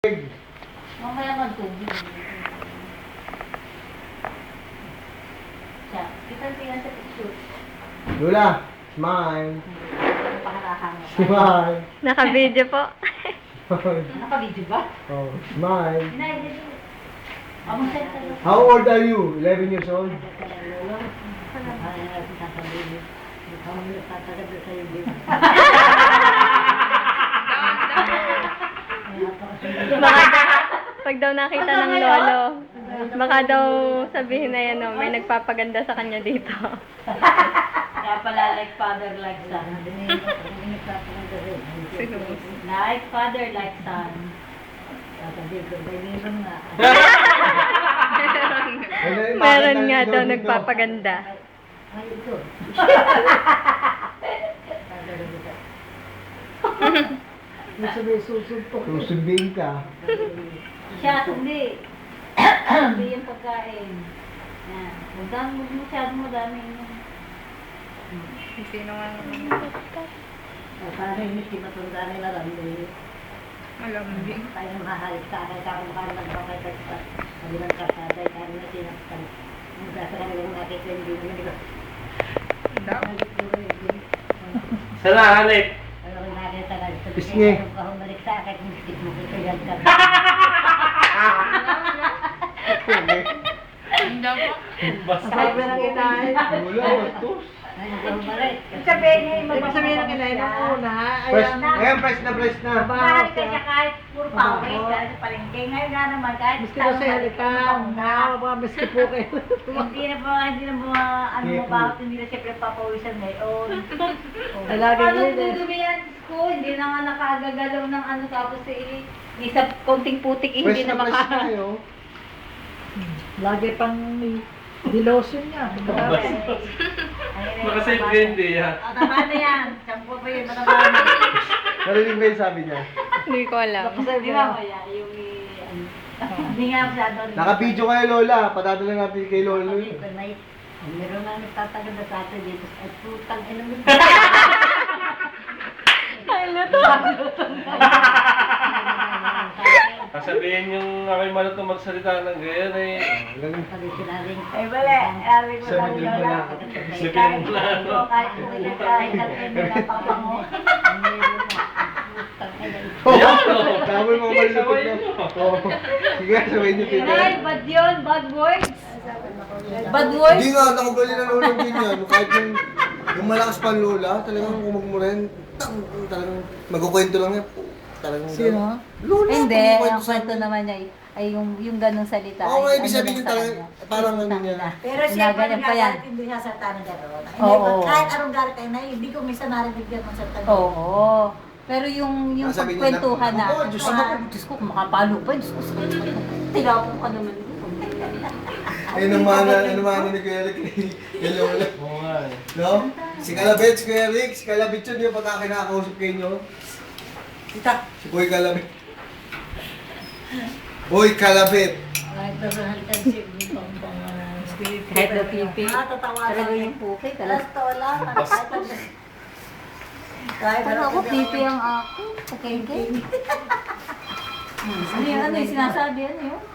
Mamaya magtubig. Siya, kita-tingnan sa picture. Lola, smile. Pakarahan. Smile. Naka-video po. Naka-video ba? Oh, smile. Amusay ka lang. How old are you? 11 years old? Baka pag daw nakita ng lolo, baka daw sabihin na yan, may nagpapaganda sa kanya dito. Kaya pala like father, like son. Like father, like son. Meron nga daw nagpapaganda. Susundin ka. Siya, hindi. Hindi yung pagkain. Yan. Huwag kang masyadong madami yun. Sino nga naman? Para hindi matunda nila lang. Malambing. Tayo mahal sa akin, kung makakal magpapagkat sa kabilang kasada, kaya na sinaktan. Ang gasa kami lang nakita, hindi naman ito. Sana, Hanip. Ano kung nakita ka, Pisngi. kung balik sa akin, hindi mo kito yan ka. Sabi ng inahin. Wala, bastos. Sabihin ng inahin mo una. Fresh, ngayon fresh na. Mahal ka siya kahit puro pawis, dahil sa palengke. Ngayon nga naman, kahit Miski daw sa halikan. Mga miski po kayo. hindi na mga ano mabahot, hindi na siyempre papawisan ngayon. Talaga Ano yun eh. dudumi yan ko? Hindi na nga nakagagalaw ng ano, tapos isa konting putik, hindi Fresh na na maka... kayo. Lagi pang dilotion niya. Makasave ka hindi, ha? Tama na yan. Sampo pa yun, mataba na. Narinig ba yung sabi niya? Hindi ko alam. Di ba ba yan? Yung hindi nga masyado. Naka-video kayo, Lola. Patadala natin kay Lolo. Meron na nagtatagal na sa atin dito. At putang ina mo. Sasabihin yung ako'y malutong magsalita ng gayon eh. Ay, wala. Sabi ko lang Sabi yun. mo na. Sabihin mo lang. Kahit na pinapapango. Tawal mo malulupit na. Oo. Sige, sabay niyo Ay, pinag. bad yun. Bad words. Bad words. Hindi nga, nakagaling na Lola din yan. Kahit yung malakas pa Lola, talagang kumagmurin. Talagang magkukwento lang yan. Talagang Sino? Lola, Hindi, kumagkwento ang sa kwento naman niya ay yung ganung salita. Oo, ay ibig ano sabihin lang sa talagang kanya. parang ano niya. Pero siya pa Ginaganyan pa yan. nagagalit, hindi siya salita ng gano'n. Oo. Kahit anong galit ay na, hindi ko minsan narinig yan ng salita. Oo. Pero yung Sabi niya, pagkwentuhan na, "Oh, Diyos ko." Diyos ko, kung makapalo pa, Diyos ko, tilapong ka naman. Ayun ang mana ni Kuya Rick kay Lola. Oo nga eh. No? Si Kalabit, si Kuya Rick, si Kalabit yun yung pagka kinakausap kayo nyo. Kita, si Boy Kalabit. Boy Kalabit. Kahit na pipi. Tatawa Talaga lang. yung puki. Alas to lang. Kahit Pero ako, pipi ang ako. Okay, okay. Ano yung sinasabi? Ano yun?